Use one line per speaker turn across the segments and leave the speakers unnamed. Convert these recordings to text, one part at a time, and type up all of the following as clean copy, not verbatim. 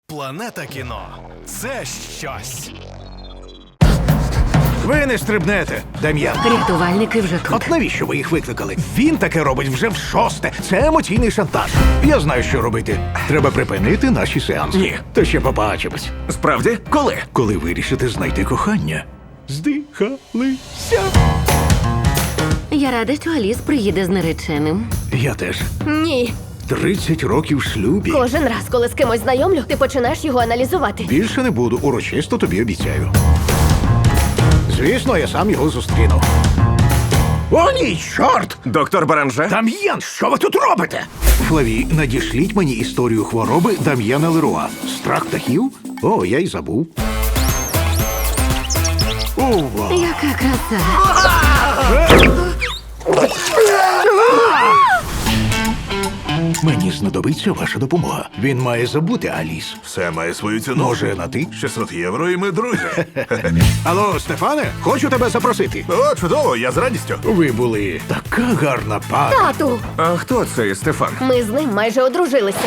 Планета кіно – це щось.
Ви не стрибнете, Дем'ян.
Рятувальники вже тут.
От навіщо ви їх викликали? Він таке робить вже в-6. Це емоційний шантаж. Я знаю, що робити. Треба припинити наші сеанси.
Ні.
То ще побачимось.
Справді? Коли?
Коли вирішите знайти кохання. Здихалися.
Я рада, що Аліс приїде з нареченим.
Я теж.
Ні.
30 років в шлюбі.
Кожен раз, коли з кимось знайомлю, ти починаєш його аналізувати.
Більше не буду, урочисто тобі обіцяю. Звісно, я сам його зустріну. О, ні, чорт!
Доктор Баранже?
Дам'ян, що ви тут робите? Флаві, надішліть мені історію хвороби Дам'яна Леруа. Страх птахів? О, я й забув. Ова.
Яка краса.
Мені знадобиться ваша допомога. Він має забути Аліс.
Все має свою ціну.
Може, на ти?
600 євро і ми друзі.
Алло, Стефане, хочу тебе запросити.
О, чудово, я з радістю.
Ви були така гарна пара.
Тату,
А хто цей Стефан?
ми з ним майже одружилися.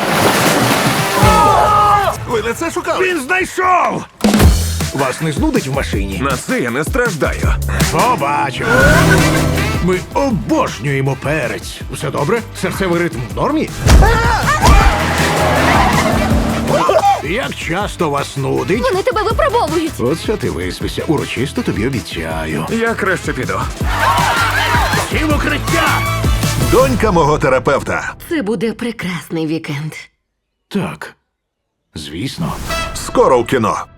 Ви не це шукали?
Він знайшов! Вас не знудить в машині?
На це я не страждаю.
Побачимо. Ми обожнюємо перець. Все добре? Серцевий ритм в нормі? Як часто вас нудить?
Вони тебе випробовують.
Оце ти виспися. Урочисто тобі обіцяю.
Я краще піду.
Всі в укриття!
Донька мого терапевта.
Це буде прекрасний вікенд.
Так, звісно.
Скоро в кіно.